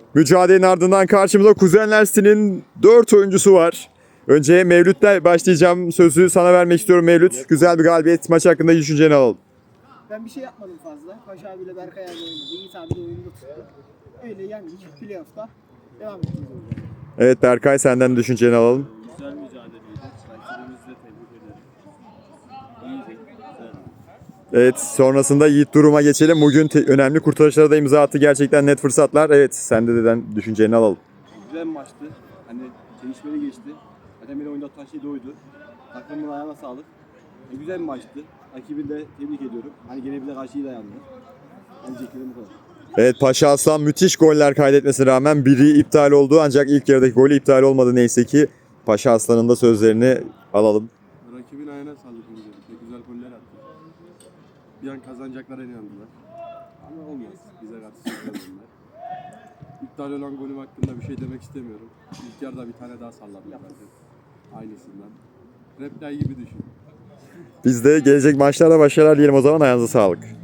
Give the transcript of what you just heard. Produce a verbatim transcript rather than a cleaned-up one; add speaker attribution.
Speaker 1: Mücadelenin ardından karşımızda Kuzenler City'nin dört oyuncusu var. Önce Mevlüt'le başlayacağım. Sözü sana vermek istiyorum Mevlüt. Güzel bir galibiyet. Maç hakkında düşünceni alalım.
Speaker 2: Ben bir şey yapmadım fazla. Paşa abiyle Berkay abi oynadı. Yiğit abi de oyunda tuttu. Öyle yendik. Playoff'ta devam ettik.
Speaker 1: Evet Berkay, senden düşünceni alalım.
Speaker 3: Güzel mücadeleydi. Rakibimizi de tebrik ederim. İyiydi. Güzel.
Speaker 1: Evet, sonrasında Yiğit Durum'a geçelim. Bugün te- önemli kurtarışlara da imza attı. Gerçekten net fırsatlar. Evet, sen de deden düşünceni alalım.
Speaker 3: Güzel bir maçtı. Hani çelişmeli geçti. Zaten beni oyunda tutan şey de oydu. Takımın ayağına sağlık. E, güzel bir maçtı. Rakibi de tebrik ediyorum. Hani gene bize karşı iyi dayandı. Hani diyeceklerim bu kadar.
Speaker 1: Evet, Paşa Aslan müthiş goller kaydetmesine rağmen biri iptal oldu. Ancak ilk yarıdaki golü iptal olmadı neyse ki. Paşa Aslan'ın da sözlerini alalım.
Speaker 3: Rakibin ayağına sağlık öncelikle. Güzel goller attı. Bir an kazanacaklara inandılar. Ama olmaz. Bize karşı kazandılar. İptal olan golüm hakkında bir şey demek istemiyorum. İlk yarıda bir tane daha salladım zaten. Aynısından. Reptile gibi düşün.
Speaker 1: Biz de gelecek maçlarda başarılar diyelim o zaman. Ayağınıza sağlık.